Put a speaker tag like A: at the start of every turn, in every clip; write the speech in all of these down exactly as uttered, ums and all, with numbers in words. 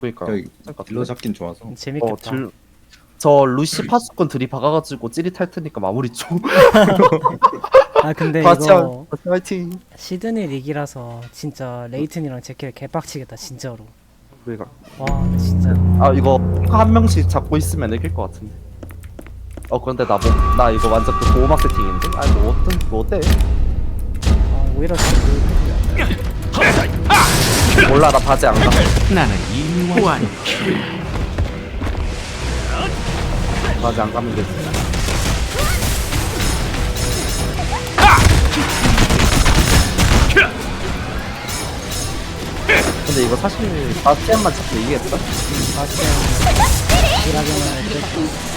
A: 그러니까
B: 저기 딜러 잡긴 좋아서.
C: 재밌겠다.
A: 어, 질... 저 루시 파수꾼 들이 박아가지고 찌릿할 테니까 마무리 좀.
C: 아 근데
A: 같이
C: 이거
A: 같이 화이팅.
C: 시드니 릭이라서 진짜 레이튼이랑 제킬 개빡치겠다 진짜로.
A: 그러니까
C: 와 진짜.
A: 아 이거 한 명씩 잡고 있으면 이길 것 같은데. 어 그런데 나 뭐 나 이거 완전 그 보호막 세팅인데. 아니 뭐 어떤 뭐 어때?
C: 아, 오히려
A: 몰라 나 바지 안 가.
D: 나는 이미 호환.
A: 바지 안 가면 되지. 근데 이거 사실 바스티안만 잡고 이기겠다.
C: 바스티안 일하기만 할때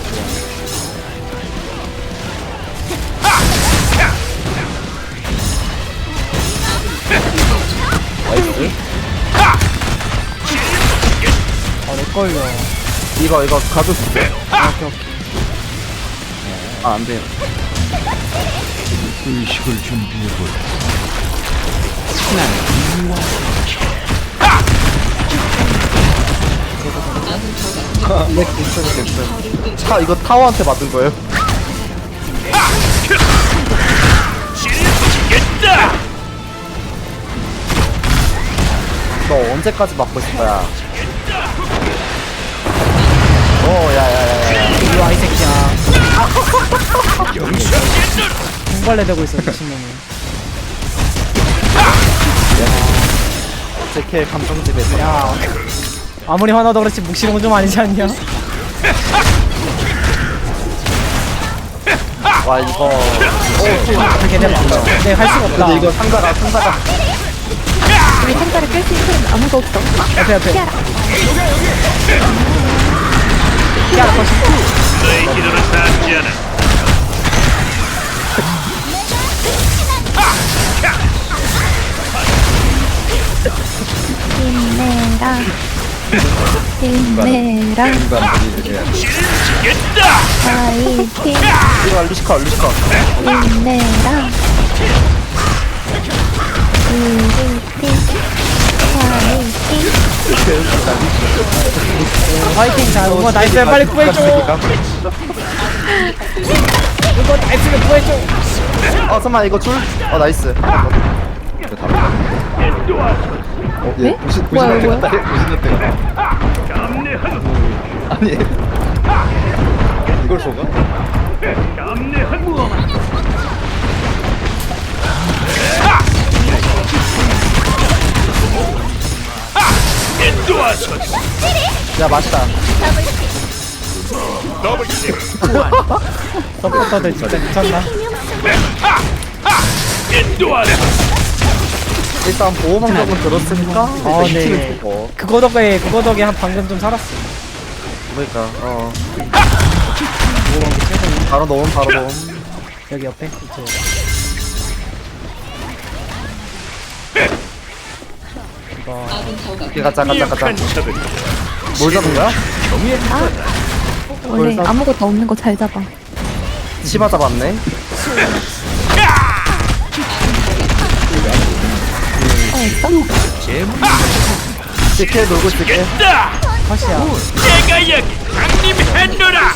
A: 나이스.
C: 아 렉걸려.
A: 이거 이거 가줄 수 있어.
C: 아, 오케이 오케이.
A: 아 안돼요.
D: 의식을 준비해볼. 나는 이미 호환.
A: 네, 괜찮아, 괜찮아. 차, 이거 타워한테 맞은 거예요? 너 언제까지 맞고 있을 거야? 오, 야, 야, 야, 야.
C: 이리 와 이 새끼야. 공발레 되고 있어 미친놈이.
A: 제케 감정집에서.
C: 야 아무리 화나도 그렇지 묵시는 건 좀 아니지 않냐?
A: 와, 이거.
C: 그렇게 되면 안 돼. 근데 할 수가 없다.
A: 근데 이거 상가가, 상가가.
E: 우리 상자를 깰 수 있는 사람 아무도 없어.
C: 옆에 옆에.
E: 피하라.
C: 피하라 컷.
F: 너의 기도는 닿지 않아.
E: 힘내라. 힘내라.
B: 중간 분위기를
E: 파이팅.
A: 이거 루시커, 루시커.
E: 힘내라. 파이팅.
C: 화이팅 자 이거 나이스 빨리 구해줘. 이거 나이스를 구해줘.
A: 어, 잠깐만, 이거 줄? 어, 나이스.
B: 어,
E: 네?
B: 예, 부신
E: 뭐야,
B: 부신
E: 뭐야?
B: 때가 부신 때가. 아니 이걸 쏘가?
A: 야, 맛있다.
C: 서포터들 진짜 미쳤나?
A: 일단 보호막 적은 들었으니까.
C: 아,
A: 이제
C: 네.
A: 이팀을 주고.
C: 그거 덕에 그거 덕에 한 방금 좀 살았어.
A: 그러니까, 어.
C: 그거 게 최선이.
A: 바로 넣음, 바로 넣음.
C: 여기 옆에 이쪽. 이거
A: 오케이, 가자, 가자, 가자. 뭘 잡은 거야?
E: 원래 아무것도 없는 거 잘 잡아.
A: 치마 잡았네.
E: 어, 있어?
A: 지켜 놀고 있을게.
C: 컷이야.
F: 내가 여기 강림했노라.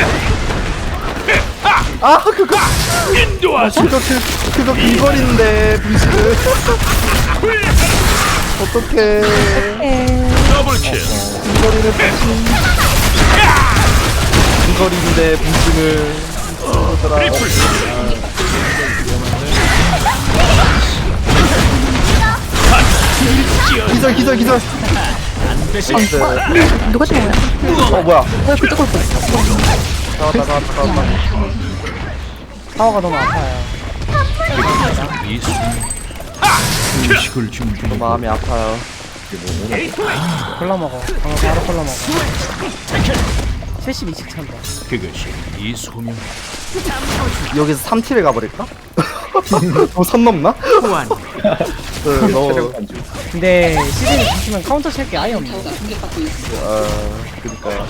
A: 아, 그거.
F: 인도하소.
A: 그거, 그, 그거 비거리인데, 분식은. 어떡해.
E: 에,
F: 더블킬.
A: 비거리는 분식. 비거리인데, 분식을. 그러더라. 기절, 기절, 기절. 안 돼.
E: 어, 누가 준 거야?
A: 어, 뭐야.
E: 왜 그쪽으로 보냈어?
A: 나왔다, 나왔다, 나왔다.
C: 타워가 너무 아파요.
D: 이 순간 의식을 준비해볼.
A: 마음이 아파요.
C: 콜라 먹어. 방금 바로 콜라 먹어. 칠십이씩 찬다.
D: 그것이 이 소명
A: 여기서 삼 킬을 가버릴까? 너무 선 넘나?
D: 호환.
A: 그, 너,
C: 근데 시즌이 붙으면 카운터 칠 게 아예 없네.
A: 어, 그니까.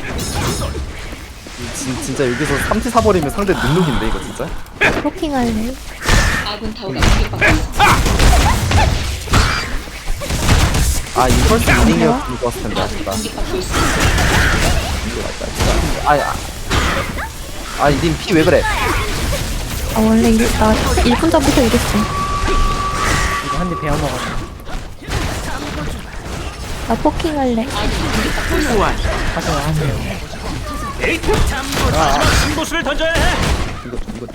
A: 진, 진짜 여기서 삼 티 사버리면 상대 눈룩인데, 이거 진짜?
E: 브로킹 할래?
G: 아군 타워가 공격받고 있습니다.
A: 아 이펄스 이닝이었으면 좋았을 텐데 아쉽다. 아야. 아 님 피 왜 그래?
E: 아 원래 이래, 나 일 분 전부터 이랬어.
C: 이거 한 대 베어 먹었어.
E: 나 포킹할래.
C: 하세요 하세요.
F: 승부수를 던져야 해.
B: 이거 이거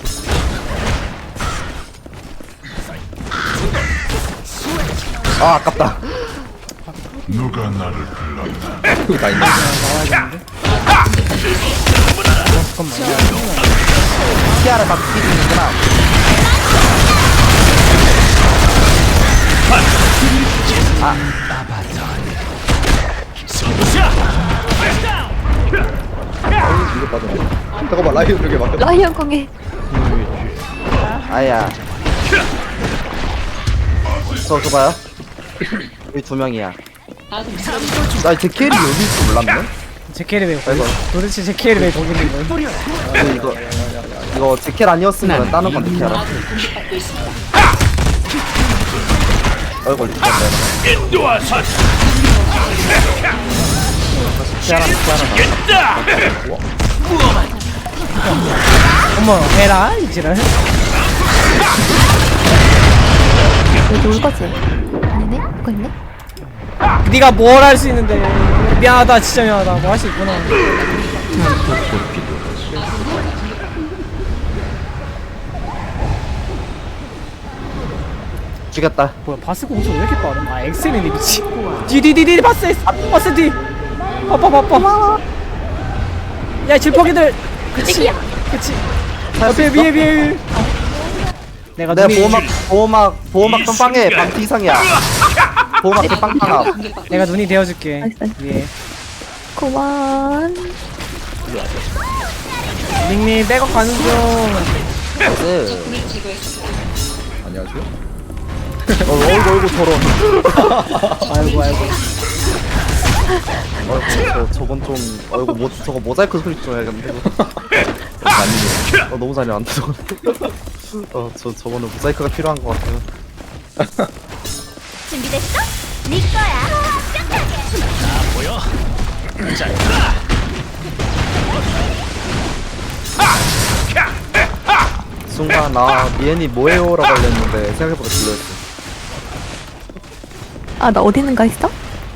A: 아 아깝다.
D: 누가 나를 불렀나?
B: 이거 다 있네.
A: 키아라 막 뛰는구나.
B: 이거 빠져. 잠깐만 라이언 저게 막.
E: 라이언 공에
A: 아야. 저 저봐요. 여기 두 명이야. 나 제켈이 여기 있을 줄 몰랐네.
C: 제켈이 왜 거기?
A: 아이고.
C: 도대체 제켈이 왜 거기 있는 거야?
A: 근데 이거 이거 제켈 아니었으면 다른 건데 키아라. 아이고 리스폰다.
F: 인도하소.
A: 키아라 키아라.
C: 어머 해라 이지랄.
E: 여기 올 거지? 아니네? 그거 있네?
C: 네가 뭘 할 수 있는데. 미안하다 진짜 미안하다. 뭐 할 수 있구나.
A: 죽였다.
C: 뭐야 바스 공속 왜 이렇게 빠름? 아 엑셀이네 미치. 디디디디 바스 X, 바스 D. 아빠 아빠. 야 질퍽이들. 그치. 그치. 앞에 위에 위에. 내가
A: 내가
C: 눈이
A: 보호막 보호막 보호막 빵빵해 반피 이상이야. 보호막 빵빵함.
C: 내가 눈이 되어줄게.
E: 나이스, 나이스.
C: 위에.
E: 그만.
C: 닉님 백업 가는 중.
A: 나이스.
B: 안녕하세요.
A: 어, 어이구 어이구 저런.
C: 아이고 아이고.
A: 어이구 저, 저건 좀 어이구 뭐 저거 모자이크 소리 좀 해야겠는데.
B: 아니에요.
A: 어 너무 잘해 안돼 저거. 어저 저거는 모자이크가 필요한 것 같아요.
G: 준비됐어? 네 거야.
A: 순간 나 미엔이 뭐해요라고 알렸는데 생각해보니까 들렸어.
E: 아 나 어디 있는가 했어?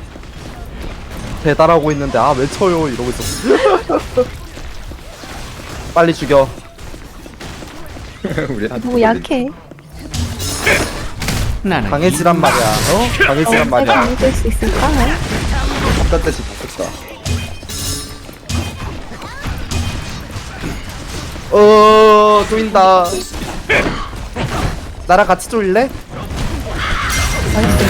A: 배달하고 있는데 아 왜 쳐요 이러고 있었어. 빨리 죽여.
B: 우리 한
E: 너무 약해.
D: 나는
A: 강해지란 말이야. 어? 강해지란
E: 어, 내가
A: 말이야.
E: 믿을 수 있을까?
B: 바깥 대시 바꿨다.
A: 어 쪼인다. 나랑 같이 쪼일래?
E: 나이스.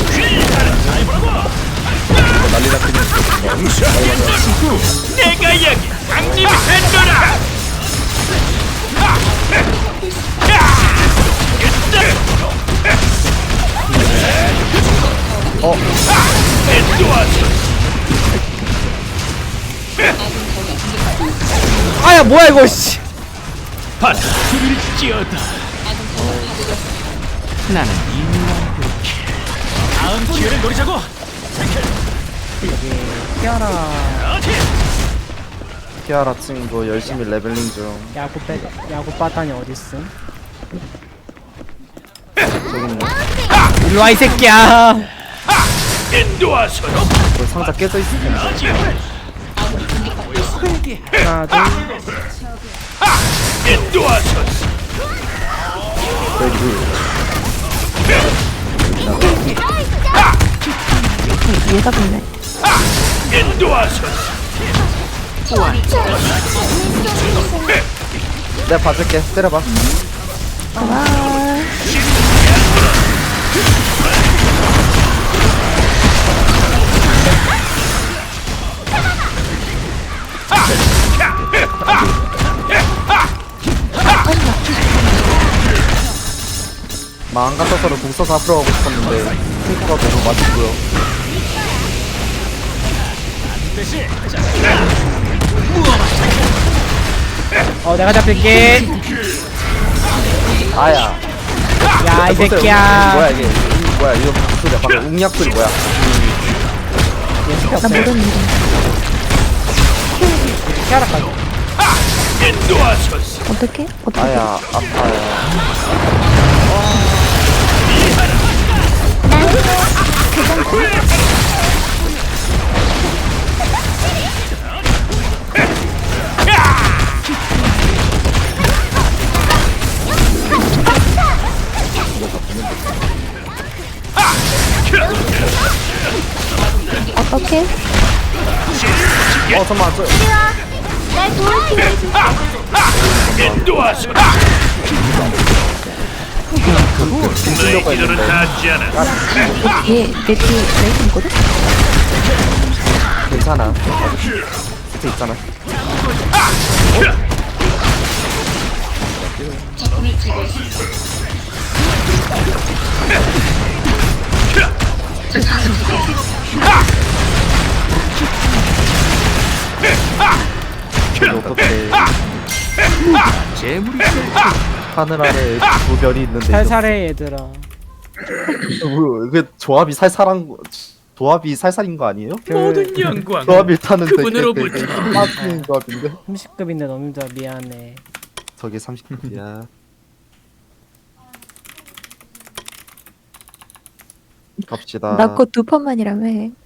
B: 난리 났긴
F: 내가 여기 강림했노라.
A: 어
F: 인도하소.
C: 아야 뭐야 이거 씨.
F: 바다를 찌어다.
D: 나는 이유와
F: 다음 기회를 노리자고.
C: 키아라
A: 키아라 친구 열심히 레벨링 중.
C: 야구 빼 야구 빠따니 어딨음?
A: 저기 있네.
C: 일로와 이 새끼야.
F: 인도하소.
A: 그 상자 깨져 있을 텐데.
C: 하나 둘.
F: 인도하소.
E: 얘가 붙네.
F: 인도하소.
A: 내가 봐줄게. 때려봐.
E: 그만.
A: 마음 같아서는 궁 써서 앞으로 가고 싶었는데 핑크가 너무 맛있고요.
C: 어 내가 잡힐게.
A: 아야.
C: 야 이
A: 보세요.
C: 새끼야.
A: 뭐야 이게? 이- 뭐야 이거 무슨 소리야? 방금 웅약 소리 뭐야?
C: 연습이
E: 나
C: 없어요.
E: 모르는 이름.
C: 키아라까지.
F: 인도하소서.
E: 어떻게? 어떻게?
A: 아야 아파요.
E: 어떻게?
A: 어 잠깐만 저
G: 날 도울 기회를 줄게.
F: 인도하소서. 너의 기도는 닿지 않아.
E: 내 뒤에 내 뒤에 레이튼 있거든?
A: 괜찮아. 밑에 있잖아. 어떻게
F: 재물이
A: 하늘 아래 두 별이 있는데 이거
C: 살살해 얘들아.
A: 뭐, 그 조합이 살살한 거 조합이 살살인 거 아니에요?
F: 모든 영광.
A: 조합이 타는 되게
F: 그분으로부터.
A: 되게 빠진 조합인데
C: 삼십 급인데 너무 힘들어. 미안해.
A: 저게 삼십 급이야. 갑시다.
E: 나 곧 두 판만이라며.